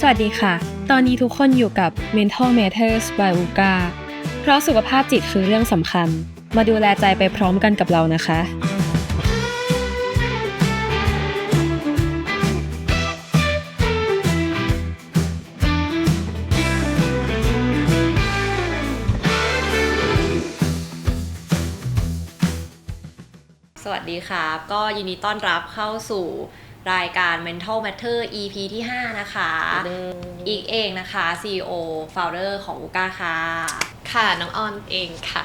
สวัสดีค่ะตอนนี้ทุกคนอยู่กับ Mental Matters by UGA เพราะสุขภาพจิตคือเรื่องสำคัญมาดูแลใจไปพร้อมกันกับเรานะคะสวัสดีครับก็ยินดีต้อนรับเข้าสู่รายการ Mental Matter EP ที่5นะคะอีกเองนะคะ CEO Founder ของ UGA ค่ะค่ะน้องออนเองค่ะ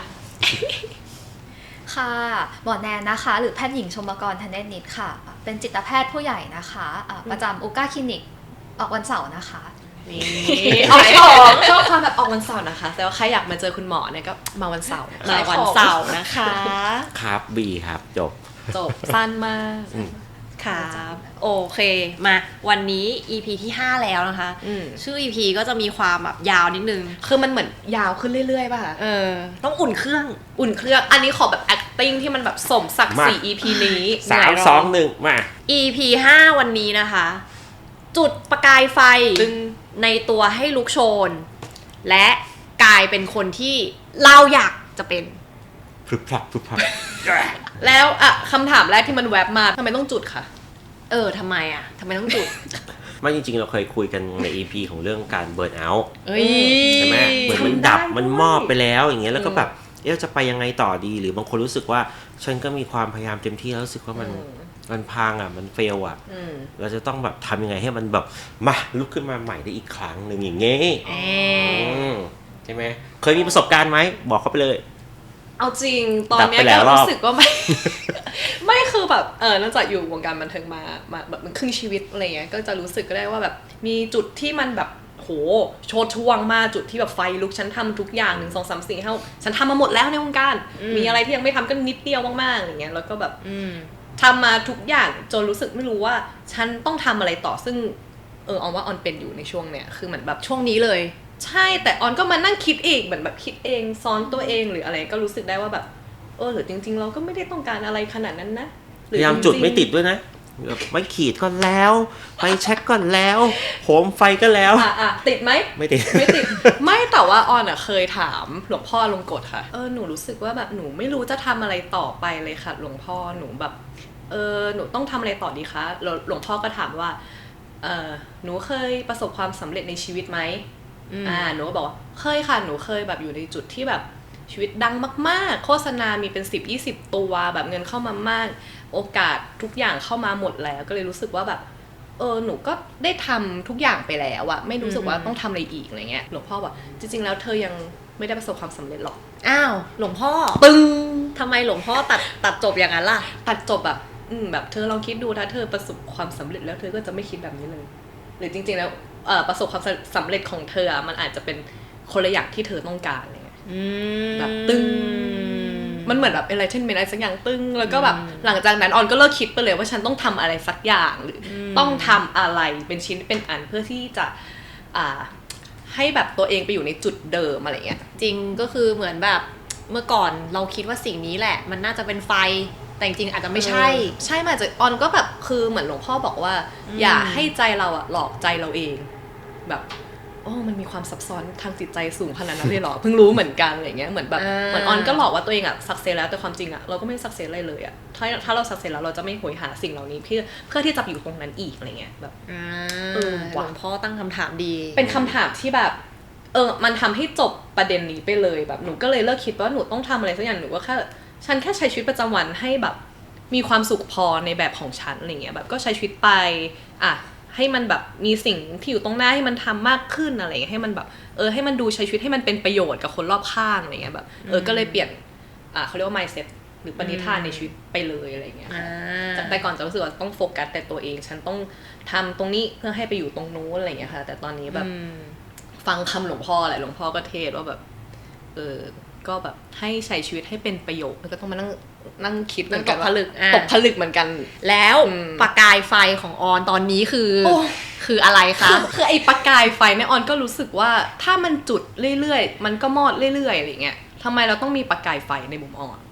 ค่ะหมอแนนนะคะหรือแพทย์หญิงชมกรธเนศนิตค่ะเป็นจิตแพทย์ผู้ใหญ่นะคะประจำUGAคลินิกออกวันเสาร์นะคะนี่ออกของชอบความแบบออกวันเสาร์นะคะแต่ว่าใครอยากมาเจอคุณหมอเนี่ยก็มาวันเสาร์มาวันเสาร์นะคะครับบีครับจบสั้นมากครับโอเคมาวันนี้ EP ที่5แล้วนะคะชื่อ EP ก็จะมีความแบบยาวนิดนึงคือมันเหมือนยาวขึ้นเรื่อยๆป่ะต้องอุ่นเครื่องอันนี้ขอแบบ acting ที่มันแบบสมศักดิ์ศรี EP นี้ 3 2 1มา EP 5วันนี้นะคะจุดประกายไฟในตัวให้ลุกโชนและกลายเป็นคนที่เราอยากจะเป็นพรึบพรับแล้วคำถามแรกที่มันแวบมาทำไมต้องจุดคะทำไมต้องจุดไม่จริงๆเราเคยคุยกันใน EP ของเรื่องการเบิร์นเอาท์ใช่ไหมเหมือนมันดับมันมอบไปแล้วอย่างเงี้ยแล้วก็แบบจะไปยังไงต่อดีหรือบางคนรู้สึกว่าฉันก็มีความพยายามเต็มที่แล้วรู้สึกว่ามันพังมันเฟลเราจะต้องแบบทำยังไงให้มันแบบมาลุกขึ้นมาใหม่ได้อีกครั้งหนึ่งอย่างเงี้ยใช่ไหมเคยมีประสบการณ์ไหมบอกเขาไปเลยเอาจริงตอนนี้ก็รู้สึกว่าไม่คือแบบนอกจากอยู่วงการบันเทิงมาแบบมันครึ่งชีวิตอะไรเงี้ยก็จะรู้สึกก็ได้ว่าแบบมีจุดที่มันแบบโหโชดช่วงมากจุดที่แบบไฟลุกฉันทำทุกอย่าง1 2 3 4 5ฉันทำมาหมดแล้วในวงการมีอะไรที่ยังไม่ทำก็นิดเดียวมากๆอย่างเงี้ยแล้วก็แบบทำมาทุกอย่างจนรู้สึกไม่รู้ว่าฉันต้องทำอะไรต่อซึ่งออนว่าออนเป็นอยู่ในช่วงเนี้ยคือเหมือนแบบช่วงนี้เลยใช่แต่ออนก็มานั่งคิดอีกเหมือนแบบคิดเองซ้อนตัวเองหรืออะไรก็รู้สึกได้ว่าแบบหรือจริงๆเราก็ไม่ได้ต้องการอะไรขนาดนั้นนะพยายามจุดไม่ติดด้วยนะไม่ขีดก็แล้วไปเช็คก่อนแล้วโหมไฟก็แล้วติดไหมไม่ติดไม่แต่ว่าออนเคยถามหลวงพ่อลงกฎค่ะหนูรู้สึกว่าแบบหนูไม่รู้จะทำอะไรต่อไปเลยค่ะหลวงพ่อหนูแบบหนูต้องทำอะไรต่อดีคะหลวงพ่อก็ถามว่าหนูเคยประสบความสำเร็จในชีวิตไหมหนูก็บอกว่าเคยค่ะหนูเคยแบบอยู่ในจุดที่แบบชีวิตดังมากๆโฆษณามีเป็น10-20 ตัวแบบเงินเข้ามามากโอกาสทุกอย่างเข้ามาหมดแล้วก็เลยรู้สึกว่าแบบหนูก็ได้ทำทุกอย่างไปแล้วอะไม่รู้สึกว่าต้องทำอะไรอีกอะไรเงี้ยหลวงพ่อบอกจริงๆแล้วเธอยังไม่ได้ประสบความสำเร็จหรอกอ้าวหลวงพ่อทำไมหลวงพ่อตัดจบอย่างนั้นล่ะตัดจบแบบแบบเธอลองคิดดูถ้าเธอประสบความสำเร็จแล้วเธอก็จะไม่คิดแบบนี้เลยหรือจริงๆแล้วประสบความสำเร็จของเธอมันอาจจะเป็นคนละอย่างที่เธอต้องการอะไรเงี้ยแบบตึงมันเหมือนแบบ enlightenment อะไรสักอย่างตึงแล้วก็แบบหลังจากนั้นออนก็เลิกคิดไปเลยว่าฉันต้องทำอะไรสักอย่างหรือต้องทำอะไรเป็นชิ้นเป็นอันเพื่อที่จะให้แบบตัวเองไปอยู่ในจุดเดิมอะไรเงี้ยจริงก็คือเหมือนแบบเมื่อก่อนเราคิดว่าสิ่งนี้แหละมันน่าจะเป็นไฟแต่จริงอาจจะไม่ใช่มาจากออนก็แบบคือเหมือนหลวงพ่อบอกว่าอย่าให้ใจเราหลอกใจเราเองแบบมันมีความซับซ้อนทางจิตใจสูงขนาดนั้นเลยเหรอเพิ่งรู้เหมือนกันอะไรเงี้ยเหมือนแบบเหมือนออนก็หลอกว่าตัวเองสักเซสแล้วแต่ความจริงเราก็ไม่สักเซสอะไรเลยถ้าเราสักเซสแล้วเราจะไม่โหยหาสิ่งเหล่านี้เพื่อที่จะอยู่ตรงนั้นอีกอะไรเงี้ยแบบหลวงพ่อตั้งคำถามดีเป็นคำถามที่แบบมันทำให้จบประเด็นนี้ไปเลยแบบหนูก็เลยเลิกคิดว่าหนูต้องทำอะไรสักอย่างหนูก็แค่ฉันแค่ใช้ชีวิตประจำวันให้แบบมีความสุขพอในแบบของฉันอะไรเงี้ยแบบก็ใช้ชีวิตไปให้มันแบบมีสิ่งที่อยู่ตรงหน้าให้มันทำมากขึ้นอะไรเงี้ยให้มันแบบให้มันดูใช้ชีวิตให้มันเป็นประโยชน์กับคนรอบข้างอะไรเงี้ยแบบก็เลยเปลี่ยนเขาเรียกว่า mindset หรือปณิธานในชีวิตไปเลยอะไรเงี้ยจากแต่ก่อนจะรู้สึกว่าต้องโฟกัสแต่ตัวเองฉันต้องทำตรงนี้เพื่อให้ไปอยู่ตรงนู้นอะไรเงี้ยค่ะแต่ตอนนี้แบบฟังคำหลวงพ่อแหละหลวงพ่อก็เทศว่าแบบก็แบบให้ใช้ชีวิตให้เป็นประโยชน์แล้วก็ต้องมานั่งคิดเหมือนกันตกผลึกเหมือนกันแล้วประกายไฟของออนตอนนี้คืออะไรคะคือไอ้ประกายไฟเนี่ยออนก็รู้สึกว่าถ้ามันจุดเรื่อยๆมันก็มอดเรื่อยๆอะไรเงี้ยทำไมเราต้องมีประกายไฟในมุมออน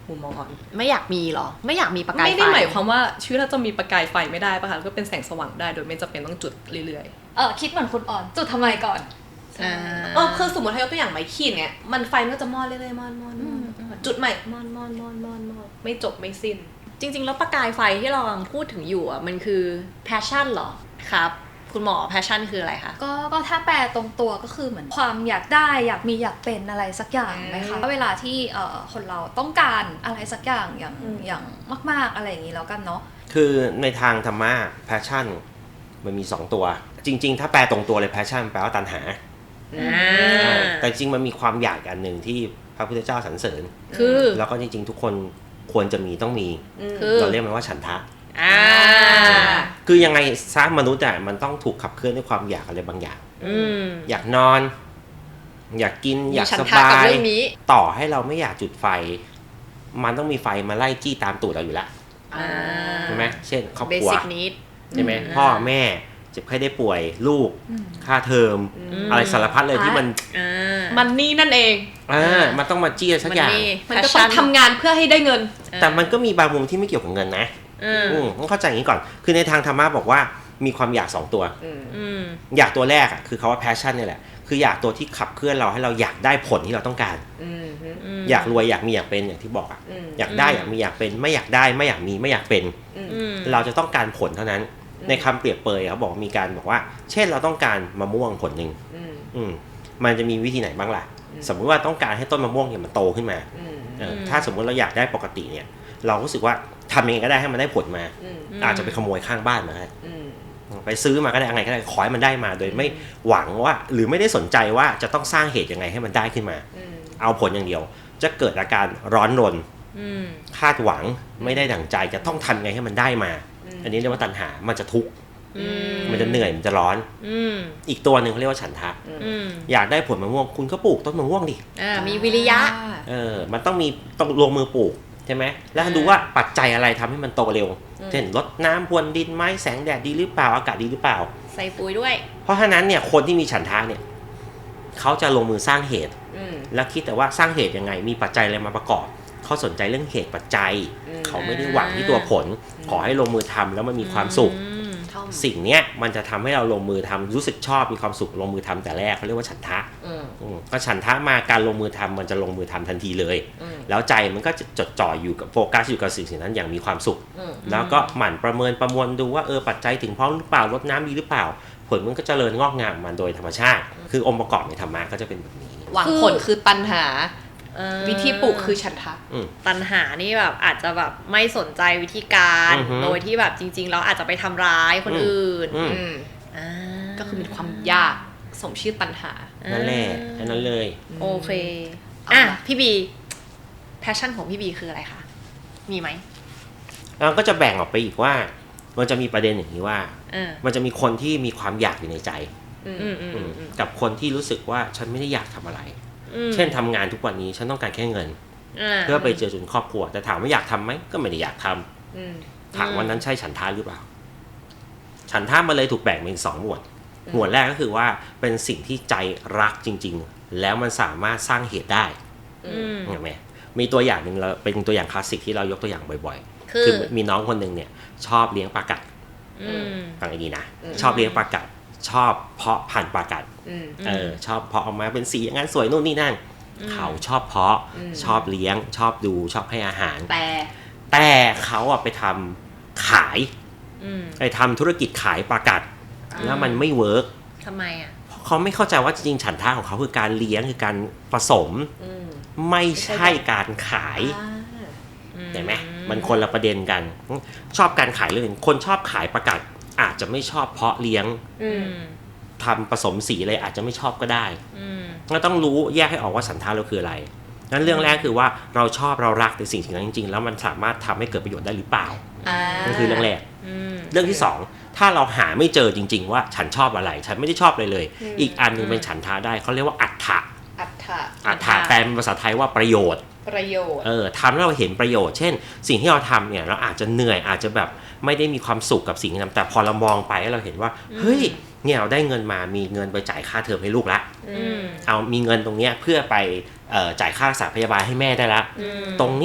มุมมองอ่อนไม่อยากมีหรอไม่อยากมีประกายไฟไม่ได้หมายความว่าชีวิตเราจะมีประกายไฟไม่ได้ป่ะคะก็เป็นแสงสว่างได้โดยไม่จำเป็นต้องจุดเรื่อยๆคิดเหมือนคุณอ่อนจุดทำไมก่อนคือสมมติถ้ายกตัวอย่างไม้ขีดเนี่ยมันไฟมันก็จะมอดเรื่อยๆมอดจุดใหม่มอดไม่จบไม่สิ้นจริงๆแล้วประกายไฟที่เรากำลังพูดถึงอยู่อ่ะมันคือ passion เหรอครับคุณหมอ passion คืออะไรคะก็ถ้าแปลตรงตัวก็คือเหมือนความอยากได้อยากมีอยากเป็นอะไรสักอย่างไหมคะเวลาที่คนเราต้องการอะไรสักอย่างอย่างมากๆอะไรอย่างนี้แล้วกันเนาะคือในทางธรรมะ passion มันมี 2 ตัว จริงๆ ถ้าแปลตรงตัวเลย passion แปลว่าตัณหาแต่จริงมันมีความอยากอันหนึ่งที่พระพุทธเจ้าสรรเสริญคือแล้วก็จริงๆ ทุกคนควรจะมีต้องมีเราเรียกมันว่าฉันทะคือยังไงซะมนุษย์อ่ะมันต้องถูกขับเคลื่อนด้วยความอยากอะไรบางอย่างอยากนอนอยากกินอยากสบายต่อให้เราไม่อยากจุดไฟมันต้องมีไฟมาไล่จี้ตามตูดเราอยู่แล้วใช่ไหมเช่นครอบครัวใช่ไหมพ่อแม่เจ็บไข้ได้ป่วยลูกค่าเทอมอะไรสารพัดเลยที่มันนี่นั่นเองมันต้องมาจี้สักอย่างมันก็ต้องทำงานเพื่อให้ได้เงินแต่มันก็มีบางมุมที่ไม่เกี่ยวกับเงินนะต้องเข้าใจอย่างนี้ก่อนคือในทางธรรมะบอกว่ามีความอยาก2 ตัวอยากตัวแรกอ่ะคือคำว่า passion เนี่ยแหละคืออยากตัวที่ขับเคลื่อนเราให้เราอยากได้ผลที่เราต้องการอยากรวยอยากมีอยากเป็นอย่างที่บอกอ่ะอยากได้อยากมีอยากเป็นไม่อยากได้ไม่อยากมีไม่อยากเป็นเราจะต้องการผลเท่านั้นในคำเปรียบเปยเขาบอกมีการบอกว่าเช่นเราต้องการมะม่วงผลหนึ่งมันจะมีวิธีไหนบ้างล่ะสมมติว่าต้องการให้ต้นมะม่วงเนี่ยมันโตขึ้นมาถ้าสมมติเราอยากได้ปกติเนี่ยเรารู้สึกว่าทำยังไงก็ได้ให้มันได้ผลมาอาจจะไปขโมยข้างบ้านมาไปซื้อมาก็ได้อะไรก็ได้ขอให้มันได้มาโดยไม่หวังว่าหรือไม่ได้สนใจว่าจะต้องสร้างเหตุยังไงให้มันได้ขึ้นมาเอาผลอย่างเดียวจะเกิดอาการร้อนรนคาดหวังไม่ได้ดั่งใจจะต้องทำไงให้มันได้มาอันนี้เรียกว่าตัณหามันจะทุกข์มันจะเหนื่อยมันจะร้อนอีกตัวหนึ่งเขาเรียกว่าฉันทะอยากได้ผลมะม่วงคุณก็ปลูกต้นมะม่วงดิมีวิริยะมันต้องลงมือปลูกใช่ไหมแล้วดูว่าปัจจัยอะไรทำให้มันโตเร็วเช่นรดน้ำพรวนดินไหมแสงแดดดีหรือเปล่าอากาศดีหรือเปล่าใส่ปุ๋ยด้วยเพราะฉะนั้นเนี่ยคนที่มีฉันทะเนี่ยเขาจะลงมือสร้างเหตุแล้วคิดแต่ว่าสร้างเหตุยังไงมีปัจจัยอะไรมาประกอบเขาสนใจเรื่องเหตุปัจจัยเขาไม่ได้หวังที่ตัวผลขอให้ลงมือทำแล้วมันมีความสุขสิ่งเนี้ยมันจะทำให้เราลงมือทำรู้สึกชอบมีความสุขลงมือทำแต่แรกเขาเรียกว่าฉันทะก็ฉันทะมาการลงมือทำมันจะลงมือทำทันทีเลยแล้วใจมันก็จะจดจ่ออยู่กับโฟกัสอยู่กับสิ่งนั้นอย่างมีความสุขแล้วก็หมั่นประเมินประมวลดูว่าปัจจัยถึงพร้อมหรือเปล่ารดน้ำดีหรือเปล่าผลมันก็เจริญงอกงามมันโดยธรรมชาติคือองค์ประกอบในธรรมะก็จะเป็นแบบนี้หวังผลคือตัณหาวิธีปลูกคือฉันทะตัณหานี่แบบอาจจะแบบไม่สนใจวิธีการโดยที่แบบจริงๆแล้วอาจจะไปทำร้ายคนอื่นก็คือมีความยากสมชื่อตัณหานั่นแหละนั่นเลยโอเคพี่บีแพชชั่นของพี่บีคืออะไรคะมีไหมเราก็จะแบ่งออกไปอีกว่ามันจะมีประเด็นอย่างนี้ว่ามันจะมีคนที่มีความอยากอยู่ในใจกับคนที่รู้สึกว่าฉันไม่ได้อยากทำอะไรเช่นทำงานทุกวันนี้ฉันต้องการแค่เงินเพื่อไปเจอจุนครอบครัวแต่ถามว่าอยากทำไหมก็ไม่ได้อยากทำถามว่านั้นใช่ฉันทะหรือเปล่าฉันทะมันเลยถูกแบ่งเป็น2 หมวดหมวดแรกก็คือว่าเป็นสิ่งที่ใจรักจริงๆแล้วมันสามารถสร้างเหตุได้เห็นไหมมีตัวอย่างหนึ่งเราเป็นตัวอย่างคลาสสิกที่เรายกตัวอย่างบ่อยๆคือมีน้องคนหนึ่งเนี่ยชอบเลี้ยงปลากัดฟังให้ดีนะชอบเลี้ยงปลากัดชอบเพาะพันธุ์ปลากัดชอบเพาะออกมาเป็นสีอย่างนั้นสวยนู่นนี่นั่นเขาชอบเพาะชอบเลี้ยงชอบดูชอบให้อาหารแต่เขาไปทำขายไปทำธุรกิจขายปลากัดแล้วมันไม่เวิร์กทำไมเขาไม่เข้าใจว่าจริงๆฉันทะของเขาคือการเลี้ยงคือการผสมไม่ใช่การขายเห็นไหมมันคนละประเด็นกันชอบการขายเรื่องคนชอบขายปลากัดอาจจะไม่ชอบเพาะเลี้ยงทำผสมสีอะไรอาจจะไม่ชอบก็ได้เราต้องรู้แยกให้ออกว่าฉันทะเราคืออะไรงั้นเรื่องแรกคือว่าเราชอบเรารักในสิ่งนั้นจริงๆแล้วมันสามารถทำให้เกิดประโยชน์ได้หรือเปล่านั่นคือเรื่องแรกเรื่องที่2ถ้าเราหาไม่เจอจริงๆว่าฉันชอบอะไรฉันไม่ได้ชอบเลยอีกอันนึงเป็นฉันทะได้เขาเรียกว่าอัตถะแปลเป็นภาษาไทยว่าประโยชน์ทำแล้วเราเห็นประโยชน์เช่นสิ่งที่เราทำเนี่ยเราอาจจะเหนื่อยอาจจะแบบไม่ได้มีความสุขกับสิ่งที่ทำแต่พอเรามองไปแล้วเราเห็นว่าเฮ้ยเนี่ยเราได้เงินมามีเงินไปจ่ายค่าเทอมให้ลูกละเอามีเงินตรงเนี้ยเพื่อไปจ่ายค่ารักษาพยาบาลให้แม่ได้ละตรงเนี้ย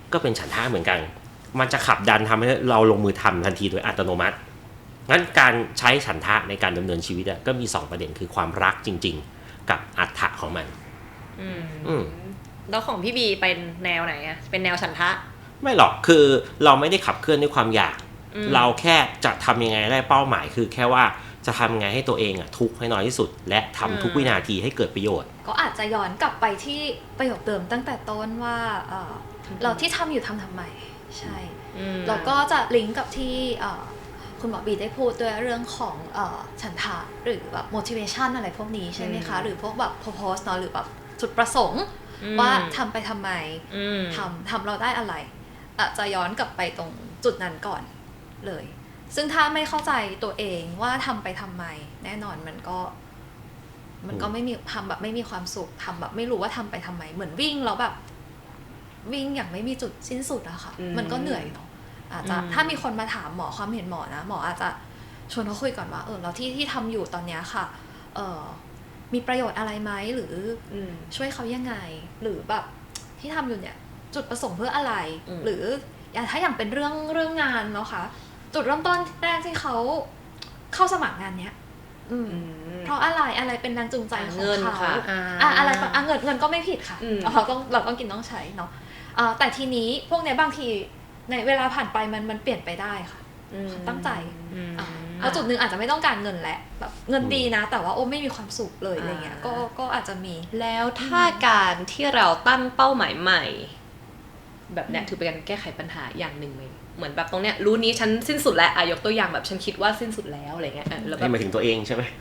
ก็เป็นฉันทะเหมือนกันมันจะขับดันทำให้เราลงมือทำทันทีโดยอัตโนมัติงั้นการใช้ฉันทะในการดำเนินชีวิตก็มี2ประเด็นคือความรักจริงๆกับอัตถะของมันแล้วของพี่บีเป็นแนวไหนอะเป็นแนวฉันทะไม่หรอกคือเราไม่ได้ขับเคลื่อนด้วยความอยากเราแค่จะทำยังไงได้เป้าหมายคือแค่ว่าจะทำยังไงให้ตัวเองทุกข์ให้น้อยที่สุดและทำทุกวินาทีให้เกิดประโยชน์ก็อาจจะย้อนกลับไปที่ประโยคเดิมตั้งแต่ต้นว่าเราที่ทำอยู่ทำไมใช่แล้วก็จะลิงก์กับที่คุณหมอบีได้พูดด้วยเรื่องของฉันทะหรือแบบ motivation อะไรพวกนี้ใช่ไหมคะหรือพวกแบบ purpose เนาะหรือแบบจุดประสงค์ว่าทำไปทำไมทำเราได้อะไรจะย้อนกลับไปตรงจุดนั้นก่อนเลยซึ่งถ้าไม่เข้าใจตัวเองว่าทำไปทำไมแน่นอนมันก็ไม่มีทำแบบไม่มีความสุขทำแบบไม่รู้ว่าทำไปทำไมเหมือนวิ่งแล้วแบบวิ่งอย่างไม่มีจุดสิ้นสุดอะค่ะมันก็เหนื่อยเนาะอาจจะถ้ามีคนมาถามหมอความเห็นหมอนะหมออาจจะชวนเขาคุยก่อนว่าเราที่ทำอยู่ตอนนี้ค่ะมีประโยชน์อะไรไหมหรือช่วยเขายังไงหรือแบบที่ทำอยู่เนี่ยจุดประสงค์เพื่ออะไรหรือถ้าอย่างเป็นเรื่องงานเนาะค่ะจุดเริ่มต้นแรกที่เขาเข้าสมัครงานเนี้ยเพราะอะไรเป็นแรงจูงใจของเขาอะไรเงินก็ไม่ผิดค่ะเราต้องกินต้องใช้เนาะแต่ทีนี้พวกเนี้ยบางทีในเวลาผ่านไปมันเปลี่ยนไปได้ค่ะตั้งใจแล้วจุดนึงอาจจะไม่ต้องการเงินแหละแบบเงินดีนะแต่ว่าไม่มีความสุขเลยอะไรเงี้ยก็อาจจะมีแล้วถ้าการที่เราตั้งเป้าหมายใหม่แบบเนี้ยถือเป็นการแก้ไขปัญหาอย่างหนึ่งไหมเหมือนแบบตรงเนี้ยรู้นี้ฉันสิ้นสุดแล้วยกตัวอย่างแบบฉันคิดว่าสิ้นสุดแล้วอะไรเงี้ยแล้วแบบหมายถึงตัวเองใช่ไหม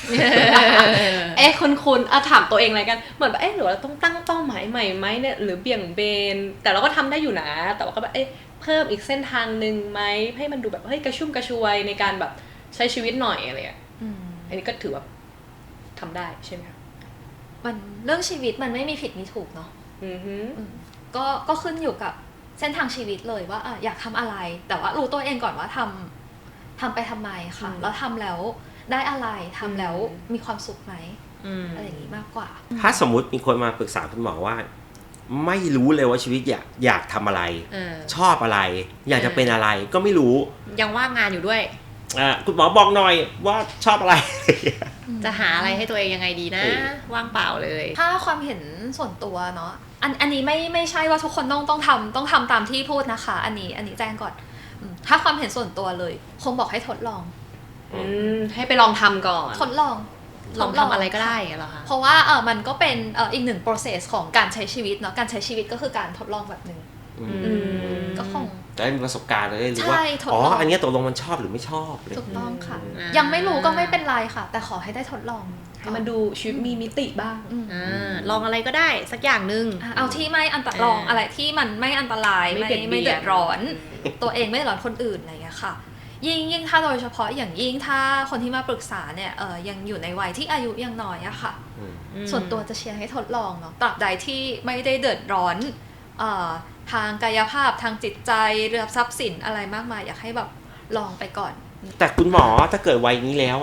คุณถามตัวเองอะไรกันเหมือนแบบหรือเราต้องตั้งเป้าหมายใหม่ไหมเนี่ยหรือเบี่ยงเบนแต่เราก็ทำได้อยู่นะแต่ว่าก็แบบเพิ่มอีกเส้นทางนึงไหมให้มันดูแบบกระชุ่มกระชวยในการแบบใช้ชีวิตหน่อยอะไรเงี้ยอันนี้ก็ถือว่าทำได้ใช่ไหมคะมันเรื่องชีวิตมันไม่มีผิดมีถูกเนาะก็ขึ้นอยู่กับเส้นทางชีวิตเลยว่าอยากทำอะไรแต่ว่ารู้ตัวเองก่อนว่าทำไปทำไมค่ะแล้วทำแล้วได้อะไรทำแล้วมีความสุขไหมอะไรอย่างนี้มากกว่าถ้าสมมุติมีคนมาปรึกษาคุณหมอว่าไม่รู้เลยว่าชีวิตอยากทำอะไรชอบอะไรอยากจะเป็นอะไรก็ไม่รู้ยังว่างงานอยู่ด้วยคุณหมอบอกหน่อยว่าชอบอะไรจะหาอะไรให้ตัวเองยังไงดีนะว่างเปล่าเลยถ้าความเห็นส่วนตัวเนาะอันนี้ไม่ใช่ว่าทุกคนต้องทำตามที่พูดนะคะอันนี้แจ้งก่อนถ้าความเห็นส่วนตัวเลยคงบอกให้ทดลองให้ไปลองทำก่อนทดลองทำอะไรก็ได้เหรอคะเพราะว่ามันก็เป็นอีกหนึ่ง process ของการใช้ชีวิตเนาะการใช้ชีวิตก็คือการทดลองแบบนึงก็คงได้มีประสบการณ์ได้รู้ว่าอันนี้ตกลงมันชอบหรือไม่ชอบถูกต้องค่ะยังไม่รู้ก็ไม่เป็นไรค่ะแต่ขอให้ได้ทดลองให้มันดูชีวิตมีมิติบ้างลองอะไรก็ได้สักอย่างนึงเอาที่ไม่อันตรายลองอะไรที่มันไม่อันตรายไม่เดือดร้อนตัวเองไม่เดือดร้อนคนอื่นอะไรอย่างเงี้ยค่ะยิ่งถ้าโดยเฉพาะอย่างยิ่งถ้าคนที่มาปรึกษาเนี่ยยังอยู่ในวัยที่อายุยังน้อยอะค่ะส่วนตัวจะเชียร์ให้ทดลองเนาะตราบใดที่ไม่ได้เดือดร้อนทางกายภาพทางจิตใจเรื่องทรัพย์สินอะไรมากมายอยากให้แบบลองไปก่อนแต่คุณหมอถ้าเกิดวัยนี้แล้ว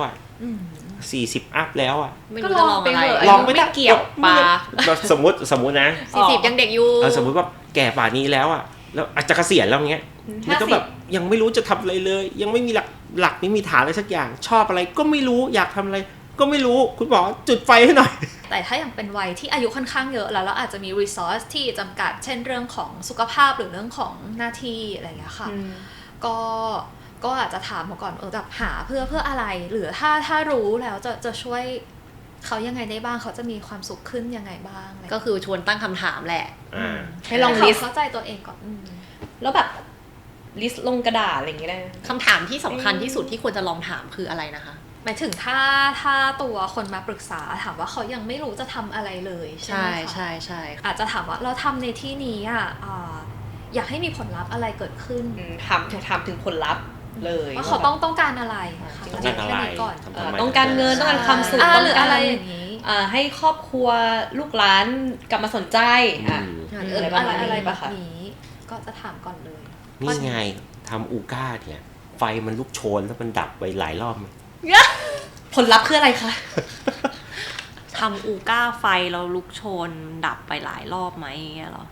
40 อัพแล้วไม่รู้จะลองอะไรลองไม่เกี่ยวปาสมมตินะ 40ยังเด็กอยู่สมมติว่าแก่ป่านนี้แล้วแล้วอาจจะเกษียณแล้วเงี้ยแล้วก็แบบยังไม่รู้จะทำอะไรเลยยังไม่มีหลักไม่มีฐานอะไรสักอย่างชอบอะไรก็ไม่รู้อยากทำอะไรก็ไม่รู้คุณหมอจุดไฟให้หน่อยแต่ถ้าอย่างเป็นวัยที่อายุค่อนข้างเยอะแล้วอาจจะมี resource ที่จำกัดเช่นเรื่องของสุขภาพหรือเรื่องของหน้าที่อะไรอย่างเงี้ยค่ะก็อาจจะถามเขาก่อนแบบหาเพื่ออะไรหรือถ้ารู้แล้วจะช่วยเขายังไงได้บ้างเขาจะมีความสุขขึ้นยังไงบ้างก็คือชวนตั้งคำถามแหละให้ลองลิสต์เข้าใจตัวเองก่อนแล้วแบบลิสต์ลงกระดาษอะไรอย่างเงี้ยคำถามที่สำคัญที่สุดที่ควรจะลองถามคืออะไรนะคะหมายถึงถ้าตัวคนมาปรึกษาถามว่าเขายังไม่รู้จะทำอะไรเลยใช่ไหมคะใช่อาจจะถามว่าเราทำในที่นี้อยากให้มีผลลัพธ์อะไรเกิดขึ้นถามถึงผลลัพธ์เลยว่าเขาต้องการอะไรแค่นี้ก่อนต้องการเงินต้องการความสุขหรืออะไรอย่างนี้ให้ครอบครัวลูกหลานกลับมาสนใจอะไรแบบนี้ก็จะถามก่อนเลยนี่ไงทำอูก้าเนี่ยไฟมันลุกโชนแล้วมันดับไปหลายรอบผลลัพธ์คืออะไรคะทำอูก้าไฟเราลุกโชนดับไปหลายรอบไหมเหรอ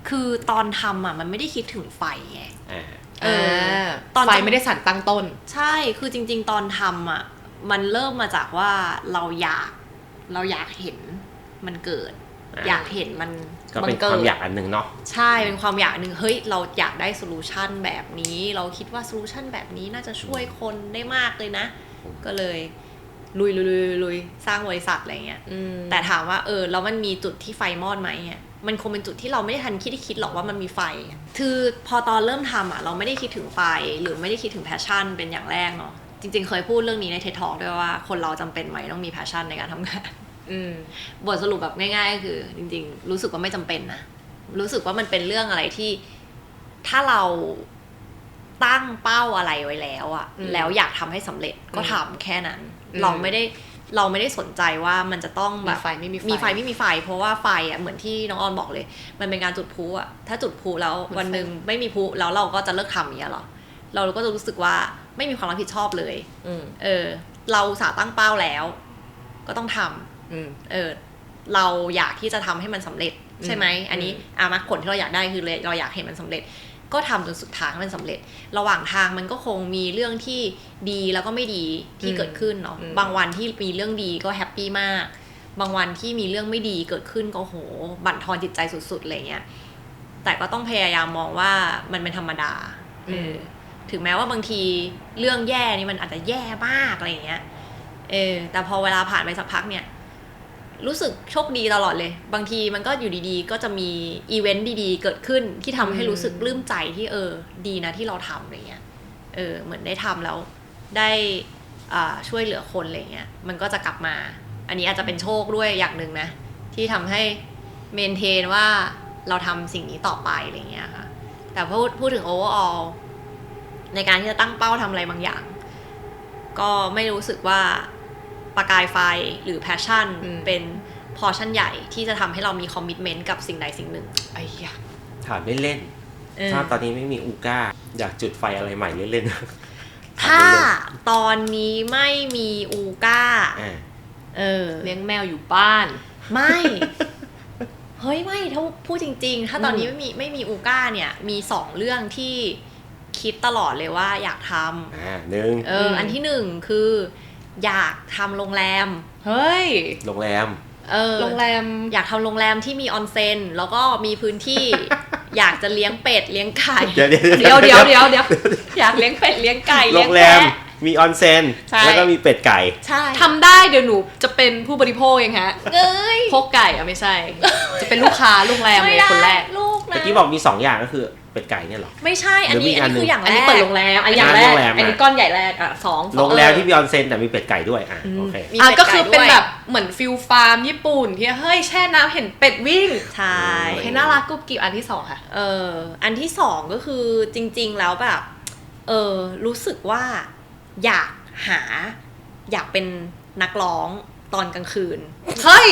คือตอนทำมันไม่ได้คิดถึงไฟไงตอนไฟไม่ได้สั่นตั้งต้นใช่คือจริงๆตอนทำมันเริ่มมาจากว่าเราอยากเห็นมันเกิดอยากเห็นมันก็เป็นความอยากอันหนึ่งเนาะใช่เป็นความอยากหนึ่งเฮ้ยเราอยากได้โซลูชันแบบนี้เราคิดว่าโซลูชันแบบนี้น่าจะช่วยคนได้มากเลยนะก็เลยลุยสร้างบริษัทอะไรเงี้ยแต่ถามว่าแล้วมันมีจุดที่ไฟมอดไหมเนี่ยมันคงเป็นจุดที่เราไม่ได้ทันคิดหรอกว่ามันมีไฟคือพอตอนเริ่มทำเราไม่ได้คิดถึงไฟหรือไม่ได้คิดถึงแพชชั่นเป็นอย่างแรกเนาะจริงๆเคยพูดเรื่องนี้ใน TED Talk ด้วยว่าคนเราจำเป็นไหมต้องมีแพชชั่นในการทำงานบทสรุปแบบง่ายๆก็คือจริงๆรู้สึกว่าไม่จำเป็นนะรู้สึกว่ามันเป็นเรื่องอะไรที่ถ้าเราตั้งเป้าอะไรไว้แล้วแล้วอยากทำให้สำเร็จก็ทำแค่นั้นเราไม่ได้สนใจว่ามันจะต้องแบบมีไฟไม่มีไฟเพราะว่าไฟเหมือนที่น้องออนบอกเลยมันเป็นการจุดพลุถ้าจุดพลุแล้ววันนึงไม่มีพลุแล้วเราก็จะเลิกทำอย่างเงี้ยหรอเราก็จะรู้สึกว่าไม่มีความรับผิดชอบเลยเราสาตั้งเป้าแล้วก็ต้องทำเราอยากที่จะทำให้มันสำเร็จใช่ไหมอันนี้มรรคผลที่เราอยากได้คือเราอยากเห็นมันสำเร็จก็ทำจนสุดท้ายมันสำเร็จระหว่างทางมันก็คงมีเรื่องที่ดีแล้วก็ไม่ดีที่เกิดขึ้นเนาะบางวันที่มีเรื่องดีก็แฮปปี้มากบางวันที่มีเรื่องไม่ดีเกิดขึ้นก็โหบั่นทอนจิตใจสุดๆอะไรเงี้ยแต่ก็ต้องพยายามมองว่ามันเป็นธรรมดาถึงแม้ว่าบางทีเรื่องแย่นี่มันอาจจะแย่มากอะไรเงี้ยแต่พอเวลาผ่านไปสักพักเนี่ยรู้สึกโชคดีตลอดเลยบางทีมันก็อยู่ดีๆก็จะมีอีเวนต์ดีๆเกิดขึ้นที่ทำให้รู้สึกปลื้มใจที่ดีนะที่เราทำอะไรเงี้ยเหมือนได้ทำแล้วได้ช่วยเหลือคนอะไรเงี้ยมันก็จะกลับมาอันนี้อาจจะเป็นโชคด้วยอย่างหนึ่งนะที่ทำให้เมนเทนว่าเราทำสิ่งนี้ต่อไปอะไรเงี้ยค่ะแต่พูดถึง overall ในการที่จะตั้งเป้าทำอะไรบางอย่างก็ไม่รู้สึกว่าประกายไฟหรือ passion เป็นพอชั่นใหญ่ที่จะทำให้เรามีคอมมิตเมนต์กับสิ่งใดสิ่งหนึ่งไอ้ยะถามเล่นๆถ้าตอนนี้ไม่มีอูก้าอยากจุดไฟอะไรใหม่เล่นๆถ้าตอนนี้ไม่มีอูก้าเลี้ยงแมวอยู่บ้านไม่เฮ้ยไม่ถ้าพูดจริงๆถ้าตอนนี้ไม่มีอูก้าเนี่ยมี2เรื่องที่คิดตลอดเลยว่าอยากทำหนึ่งอันที่หนึ่งคืออยากทำโรงแรมเฮ้ยโรงแรมโรงแรมอยากทำโรงแรมที่มีออนเซ็นแล้วก็มีพื้นที่ อยากจะเลี้ยงเป็ดเลี้ยงไก่เดี๋ยวอยากเลี้ยงเป็ดเลี้ยงไก่โรงแรมมีออนเซ็นแล้วก็มีเป็ดไก่ใช่ทำได้เดี๋ยวหนูจะเป็นผู้บริโภคเองฮะพกไก่ไม่ใช่จะเป็นลูกค้าโรงแรมเลยคนแรกลูกนะเมื่อกี้บอกมี2อย่างก็คือเป็ดไก่เนี่ยหรอไม่ใช่อันนี้คืออย่างแรกอันนี้เปิดโรงแรมอันนี้อย่างแรกอันนี้ก้อนใหญ่แรก2 โรงแรมที่มีออนเซ็นแต่มีเป็ดไก่ด้วยโอเคก็คือเป็นแบบเหมือนฟิลฟาร์มญี่ปุ่นที่เฮ้ยแช่น้ำเห็นเป็ดวิ่งใช่โอเคน่ารักกุ๊บกิ๊บอันที่2ค่ะอันที่2ก็คือจริงๆแล้วแบบรู้สึกว่าอยากเป็นนักร้องตอนกลางคืนเฮ้ย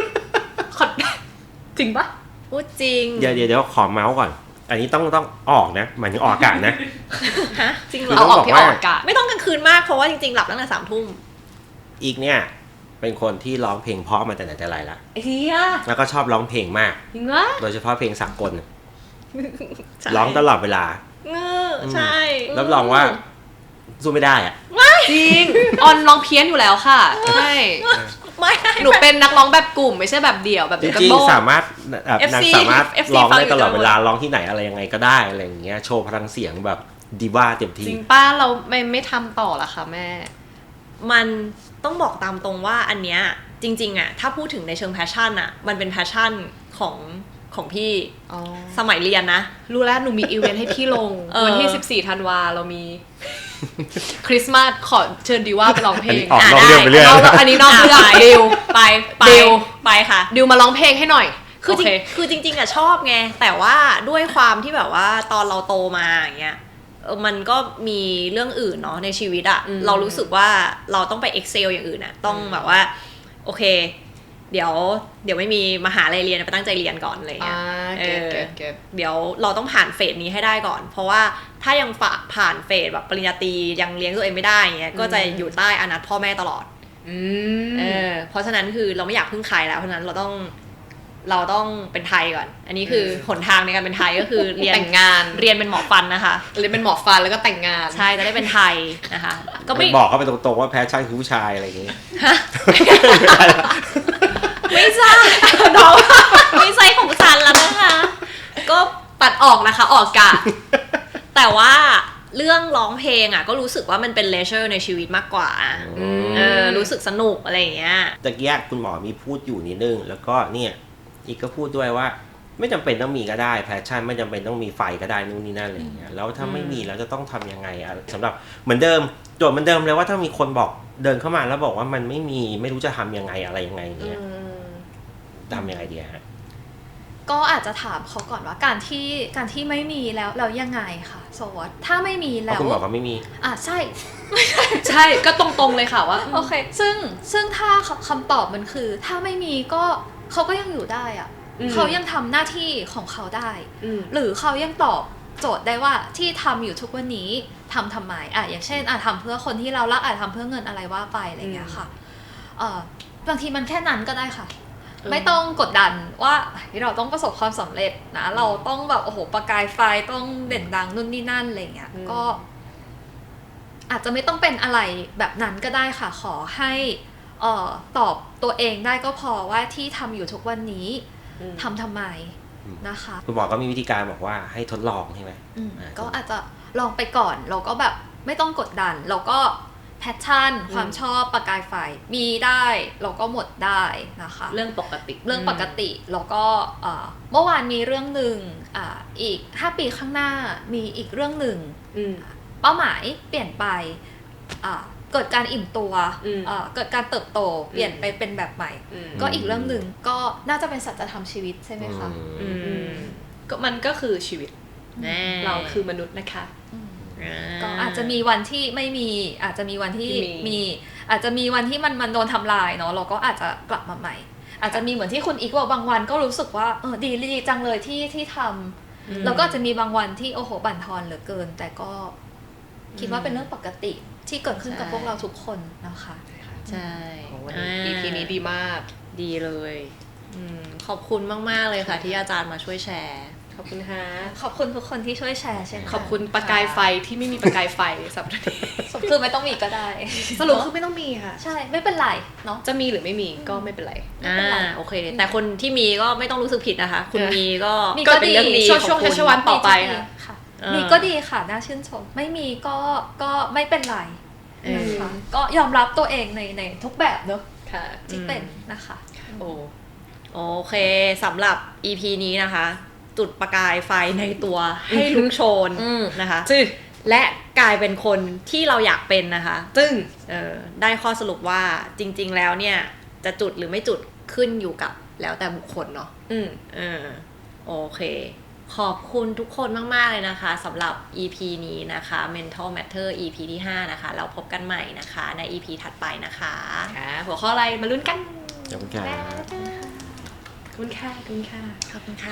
จริงปะพูดจริงเดี๋ยวขอเมาส์ก่อนอันนี้ต้องออกนะหมายถึงออกอากาศนะฮะจริงเหรอเอาออกที่ออกอากาศไม่ต้องกลางคืนมากเพราะว่าจริงๆหลับตั้งแต่3 ทุ่มอีกเนี่ยเป็นคนที่ร้องเพลงเพราะมาแต่ไหนแต่ไรละแล้วก็ชอบร้องเพลงมากจริงวะโดยเฉพาะเพลงสากลร้องตลอดเวลาใช่รับรองว่าสู้ไม่ได้อะจริงออนร้องเพี้ยนอยู่แล้วค่ะใช่ไม่หนูเป็นนักร้องแบบกลุ่มไม่ใช่แบบเดี่ยวแบบจริงๆสามารถนักสามารถร้องได้ตลอดเวลาร้องที่ไหนอะไรยังไงก็ได้อะไรอย่างเงี้ยโชว์พลังเสียงแบบดิว่าเต็มที่จริงป้าเราไม่ทำต่อละค่ะแม่มันต้องบอกตามตรงว่าอันเนี้ยจริงๆอะถ้าพูดถึงในเชิงแพชชั่นอะมันเป็นแพชชั่นของพี่สมัยเรียนนะรู้แล้วหนูมีอีเวนต์ให้พี่ลงวันที่14 ธันวาเรามีคริสต์มาสขอเชิญดิว่าไปร้องเพลงได้อันนี้นอกเรื่องดิวไปค่ะดิวมาร้องเพลงให้หน่อยคือจริงๆอะชอบไงแต่ว่าด้วยความที่แบบว่าตอนเราโตมาอย่างเงี้ยมันก็มีเรื่องอื่นเนาะในชีวิตอะเรารู้สึกว่าเราต้องไป excel อย่างอื่นอะต้องแบบว่าโอเคเดี๋ยวไม่มีมหาลัยเรียนไปตั้งใจเรียนก่อนอะไรเงี้ยเดี๋ยวเราต้องผ่านเฟสนี้ให้ได้ก่อนเพราะว่าถ้ายังผ่านเฟสแบบปริญญาตรียังเลี้ยงตัวเองไม่ได้เงี้ยก็จะอยู่ใต้อนัตพ่อแม่ตลอดเพราะฉะนั้นคือเราไม่อยากพึ่งใครแล้วเพราะฉะนั้นเราต้องเราต้องเป็นไทยก่อน อันนี้คือหนทางในการเป็นไทยก็คือเรียนแต่งงานเรียนเป็นหมอฟันนะคะเรียนเป็นหมอฟันแล้วก็แต่งงานใช่จะได้เป็นไทยนะคะ ก็ไม่บอกเขาไปตรงๆว่าแพชชั่นคือผู้ชายอะไรอย่างงี้ไม่ใช่น้องไม่ใช่ของฉันแล้วนะคะ ก็ตัดออกนะคะออกอากาศแต่ว่าเรื่องร้องเพลงอ่ะก็รู้สึกว่ามันเป็นเลเชอร์ในชีวิตมากกว่ารู้สึกสนุกอะไรอย่างเงี้ยตะกี้คุณหมอมีพูดอยู่นิดนึงแล้วก็เนี่ยอีกก็พูดด้วยว่าไม่จำเป็นต้องมีก็ได้แพชชั่นไม่จำเป็นต้องมีไฟก็ได้นู่นนี่นั่นอะไรอย่างเงี้ยแล้วถ้าไม่มีแล้วจะต้องทำยังไงอะสำหรับเหมือนเดิมโจทย์เหมือนเดิมเลยว่าถ้ามีคนบอกเดินเข้ามาแล้วบอกว่ามันไม่มีไม่รู้จะทำยังไงอะไรยังไงเงี้ยทำยังไงดีฮะก็อาจจะถามเขาก่อนว่าการที่ไม่มีแล้วเรายังไงค่ะโซวตถ้าไม่มีแล้วคุณบอกว่าไม่มีใช่ใช่ก็ตรงๆเลยค่ะว่าโอเคซึ่งถ้าคำตอบมันคือ ถ้าไม่มีก็เขาก็ยังอยู่ได้อะเขายังทำหน้าที่ของเขาได้ หรือเขายังตอบโจทย์ได้ว่าที่ทำอยู่ทุกวันนี้ทำไมอย่างเช่นทำเพื่อคนที่เรารักทำเพื่อเงินอะไรว่าไปอะไรอย่างเงี้ยค่ะบางทีมันแค่นั้นก็ได้ค่ะ ไม่ต้องกดดันว่าเราต้องประสบความสำเร็จนะเราต้องแบบโอ้โหประกายไฟต้องเด่นดังนู่นนี่นั่นอะไรเงี้ยก็อาจจะไม่ต้องเป็นอะไรแบบนั้นก็ได้ค่ะขอให้ตอบตัวเองได้ก็พอว่าที่ทำอยู่ทุกวันนี้ทำไมนะคะคุณหมอก็มีวิธีการบอกว่าให้ทดลองใช่ไหมก็อาจจะลองไปก่อนเราก็แบบไม่ต้องกดดันเราก็แพชชั่นความชอบประกายไฟมีได้เราก็หมดได้นะคะเรื่องปกติเรื่องปกติแล้วก็เมื่อวานมีเรื่องหนึ่งอีก5 ปีข้างหน้ามีอีกเรื่องหนึ่งเป้าหมายเปลี่ยนไปเกิดการอิ่มตัวเกิดการเติบโตเปลี่ยนไปเป็นแบบใหม่ก็อีกเรื่องหนึ่งก็น่าจะเป็นสัจธรรมชีวิตใช่ไหมคะก็มันก็คือชีวิตเราคือมนุษย์นะคะก็อาจจะมีวันที่ไม่มีอาจจะมีวันที่มีอาจจะมีวันที่มันโดนทำลายเนาะเราก็อาจจะกลับมาใหม่อาจจะมีเหมือนที่คุณอีกบอกบางวันก็รู้สึกว่าดีจังเลยที่ทำแล้วก็อาจจะมีบางวันที่โอ้โหบั่นทอนเหลือเกินแต่ก็คิดว่าเป็นเรื่องปกติที่เกิดขึ้นกับพวกเราทุกคนนะคะใช่วันนี้ EP นี้ดีมากดีเลยขอบคุณมากๆเลยค่ะที่อาจารย์มาช่วยแชร์ขอบคุณค่ะขอบคุณทุกคนที่ช่วยแชร์เช่นกันขอบคุณประกายไฟที่ไม่มีประกายไฟสัปดาห์นี้คือไม่ต้องมีก็ได้สรุปคือไม่ต้องมีค่ะใช่ไม่เป็นไรเนาะจะมีหรือไม่มีก็ไม่เป็นไรโอเคแต่คนที่มีก็ไม่ต้องรู้สึกผิดนะคะคุณมีก็เป็นเรื่องดีช่วงแคชวันต่อไปค่ะมีก็ดีค่ะน่าชื่นชมไม่มีก็ไม่เป็นไรนะคะก็ยอมรับตัวเองในทุกแบบเนอะที่เป็นนะคะโอเคสำหรับ EP นี้นะคะจุดประกายไฟในตัวให้ลุกโชนนะคะและกลายเป็นคนที่เราอยากเป็นนะคะได้ข้อสรุปว่าจริงๆแล้วเนี่ยจะจุดหรือไม่จุดขึ้นอยู่กับแล้วแต่บุคคลเนาะโอเคขอบคุณทุกคนมากๆเลยนะคะสำหรับ EP นี้นะคะ Mental Matter EP ที่5นะคะเราพบกันใหม่นะคะใน EP ถัดไปนะคะหัวข้ออะไรมาลุ้นกันขอบคุณค่ะขอบคุณค่ะขอบคุณค่ะขอบคุณค่ะ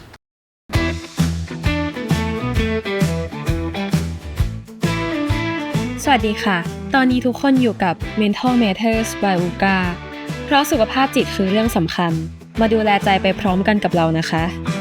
สวัสดีค่ะตอนนี้ทุกคนอยู่กับ Mental Matters by UGA เพราะสุขภาพจิตคือเรื่องสำคัญมาดูแลใจไปพร้อมกันกับเรานะคะ